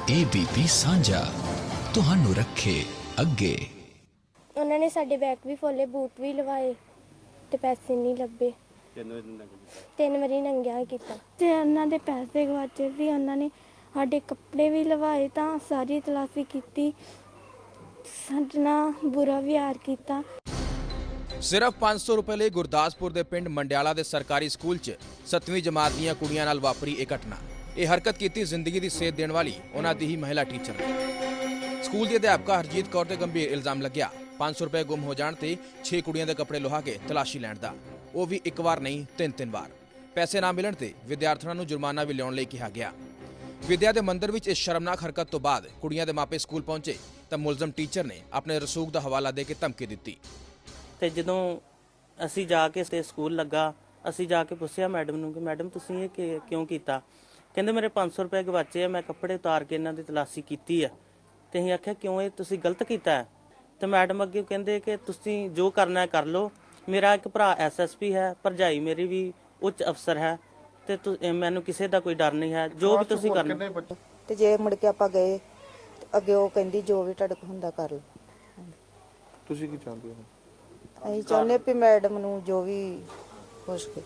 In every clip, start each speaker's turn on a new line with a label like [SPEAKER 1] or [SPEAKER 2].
[SPEAKER 1] ABP ਸਾਂਝਾ ਤੁਹਾਨੂੰ ਰੱਖੇ ਅੱਗੇ।
[SPEAKER 2] ਉਹਨਾਂ ਨੇ ਸਾਡੇ ਬੈਗ ਵੀ ਫੋਲੇ, ਬੂਟ ਵੀ ਲਵਾਏ ਤੇ ਪੈਸੇ ਨਹੀਂ ਲੱਭੇ। 3 ਵਾਰੀ ਨੰਗਿਆ ਕੀਤਾ ਤੇ ਉਹਨਾਂ ਦੇ ਪੈਸੇ ਗਵਾਚੇ ਸੀ। ਉਹਨਾਂ ਨੇ ਸਾਡੇ ਕੱਪੜੇ ਵੀ ਲਵਾਏ ਤਾਂ ਸਾਰੀ ਤਲਾਸ਼ੀ ਕੀਤੀ, ਸਾਡੇ ਨਾਲ ਬੁਰਾ ਵਿਹਾਰ ਕੀਤਾ।
[SPEAKER 3] ਸਿਰਫ 500 ਰੁਪਏ ਲਈ ਗੁਰਦਾਸਪੁਰ ਦੇ ਪਿੰਡ ਮੰਡਿਆਲਾ ਦੇ ਸਰਕਾਰੀ ਸਕੂਲ 'ਚ 7ਵੀਂ ਜਮਾਤ ਦੀਆਂ ਕੁੜੀਆਂ ਨਾਲ ਵਾਪਰੀ ਇਹ ਘਟਨਾ। ਇਹ ਹਰਕਤ ਕੀਤੀ ਜ਼ਿੰਦਗੀ ਦੀ ਸੇਧ ਦੇਣ ਵਾਲੀ ਉਹਨਾਂ ਦੀ ਹੀ ਮਹਿਲਾ ਟੀਚਰ ਨੇ। ਸਕੂਲ ਦੀ ਅਧਿਆਪਕਾ ਹਰਜੀਤ ਕੌਰ ਤੇ ਗੰਭੀਰ ਇਲਜ਼ਾਮ ਲੱਗਿਆ 500 ਰੁਪਏ ਗੁੰਮ ਹੋ ਜਾਣ ਤੇ 6 ਕੁੜੀਆਂ ਦੇ ਕੱਪੜੇ ਲੁਹਾ ਕੇ ਤਲਾਸ਼ੀ ਲੈਣ ਦਾ, ਉਹ ਵੀ ਇੱਕ ਵਾਰ ਨਹੀਂ 3 ਵਾਰ। ਪੈਸੇ ਨਾ ਮਿਲਣ ਤੇ ਵਿਦਿਆਰਥਣਾਂ ਨੂੰ ਜੁਰਮਾਨਾ ਵੀ ਲਿਆਉਣ ਲਈ ਕਿਹਾ ਗਿਆ। ਵਿਦਿਆ ਦੇ ਮੰਦਰ ਵਿੱਚ ਇਸ ਸ਼ਰਮਨਾਕ ਹਰਕਤ ਤੋਂ ਬਾਅਦ ਕੁੜੀਆਂ ਦੇ ਮਾਪੇ ਸਕੂਲ ਪਹੁੰਚੇ ਤਾਂ ਮੁਲਜ਼ਮ ਟੀਚਰ ਨੇ ਆਪਣੇ ਰਸੂਖ ਦਾ ਹਵਾਲਾ ਦੇ ਕੇ ਧਮਕੀ ਦਿੱਤੀ।
[SPEAKER 4] ਤੇ ਜਦੋਂ ਅਸੀਂ ਜਾ ਕੇ ਸਕੂਲ ਲੱਗਾ, ਅਸੀਂ ਜਾ ਕੇ ਪੁੱਛਿਆ ਮੈਡਮ ਨੂੰ ਕਿ ਮੈਡਮ ਤੁਸੀਂ ਇਹ ਕਿਉਂ ਕੀਤਾ? ਕਹਿੰਦੇ ਮੇਰੇ 500 ਰੁਪਏ ਗਵਾਚੇ ਆ, ਮੈਂ ਕੱਪੜੇ ਉਤਾਰ ਕੇ ਇਹਨਾਂ ਦੀ ਤਲਾਸ਼ੀ ਕੀਤੀ ਆ। ਤੇ ਅਸੀਂ ਆਖਿਆ ਕਿਉਂ, ਇਹ ਤੁਸੀਂ ਗਲਤ ਕੀਤਾ ਹੈ? ਤੇ ਮੈਡਮ ਅੱਗੇ ਕਹਿੰਦੇ ਕਿ ਤੁਸੀਂ ਜੋ ਕਰਨਾ ਹੈ ਕਰ ਲਓ, ਮੇਰਾ ਇੱਕ ਭਰਾ SSP ਹੈ, ਭਰਜਾਈ ਮੇਰੀ ਵੀ ਉੱਚ ਅਫਸਰ ਹੈ ਤੇ ਮੈਨੂੰ ਕਿਸੇ ਦਾ ਕੋਈ ਡਰ ਨਹੀਂ ਹੈ, ਜੋ ਵੀ ਤੁਸੀਂ ਕਰਨਾ।
[SPEAKER 5] ਤੇ ਜੇ ਮੁੜ ਕੇ ਆਪਾਂ ਗਏ ਅੱਗੇ ਉਹ ਕਹਿੰਦੀ ਜੋ ਵੀ ਤੁਹਾਡੇ ਕੋਲ ਹੁੰਦਾ ਕਰ ਲਓ।
[SPEAKER 6] ਤੁਸੀਂ ਕੀ ਚਾਹੁੰਦੇ ਹੋ?
[SPEAKER 5] ਅਸੀਂ ਚਾਹੁੰਦੇ ਵੀ ਮੈਡਮ ਨੂੰ ਜੋ ਵੀ ਹੋ ਸਕੇ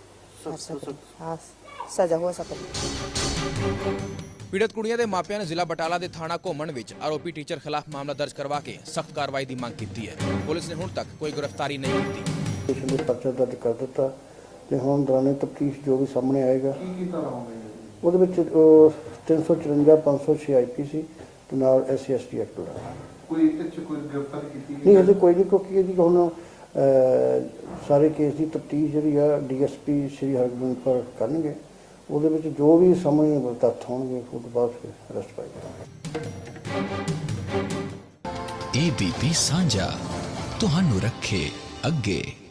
[SPEAKER 5] ਸਜ਼ਾ ਹੋ ਸਕੇ।
[SPEAKER 3] ਪੀੜਤ ਕੁੜੀਆਂ ਦੇ ਮਾਪਿਆਂ ਨੇ ਜ਼ਿਲ੍ਹਾ ਬਟਾਲਾ ਦੇ ਥਾਣਾ ਘੁੰਮਣ ਵਿੱਚ ਆਰੋਪੀ ਟੀਚਰ ਖਿਲਾਫ ਮਾਮਲਾ ਦਰਜ ਕਰਵਾ ਕੇ ਸਖਤ ਕਾਰਵਾਈ ਦੀ ਮੰਗ ਕੀਤੀ ਹੈ। ਪੁਲਿਸ ਨੇ ਹੁਣ ਤੱਕ ਕੋਈ ਗ੍ਰਿਫਤਾਰੀ ਨਹੀਂ ਕੀਤੀ।
[SPEAKER 7] ਇਸ ਨੂੰ ਪਰਚਾ ਦਰਜ ਕਰ ਦਿੱਤਾ ਤੇ ਹੁਣ ਦੌਰਾਨੇ ਤਫਤੀਸ਼ ਜੋ ਵੀ ਸਾਹਮਣੇ ਆਏਗਾ ਉਹਦੇ ਵਿੱਚ 354 506 IPC ਤੇ ਨਾਲ SC/ST ਐਕਟ ਦਾ ਕੋਈ ਗ੍ਰਿਫਤਾਰੀ ਕੀਤੀ ਨਹੀਂ ਹਜੇ ਕੋਈ ਨਹੀਂ, ਕਿਉਂਕਿ ਇਹਦੀ ਹੁਣ ਸਾਰੇ ਕੇਸ ਦੀ ਤਫਤੀਸ਼ ਜਿਹੜੀ ਆ DSP ਸ਼੍ਰੀ ਹਰਗੋਬਿੰਦਪੁਰ ਕਰਨਗੇ। ਉਹਦੇ ਵਿੱਚ ਜੋ ਵੀ ਸਾਹਮਣੇ ਤੱਥ ਹੋਣਗੇ ਉਸ ਤੋਂ ਬਾਅਦ ਫਿਰ ਅਰੈਸਟ ਪਾਈ ਜਾਵੇਗੀ।
[SPEAKER 1] ABP ਸਾਂਝਾ ਤੁਹਾਨੂੰ ਰੱਖੇ ਅੱਗੇ।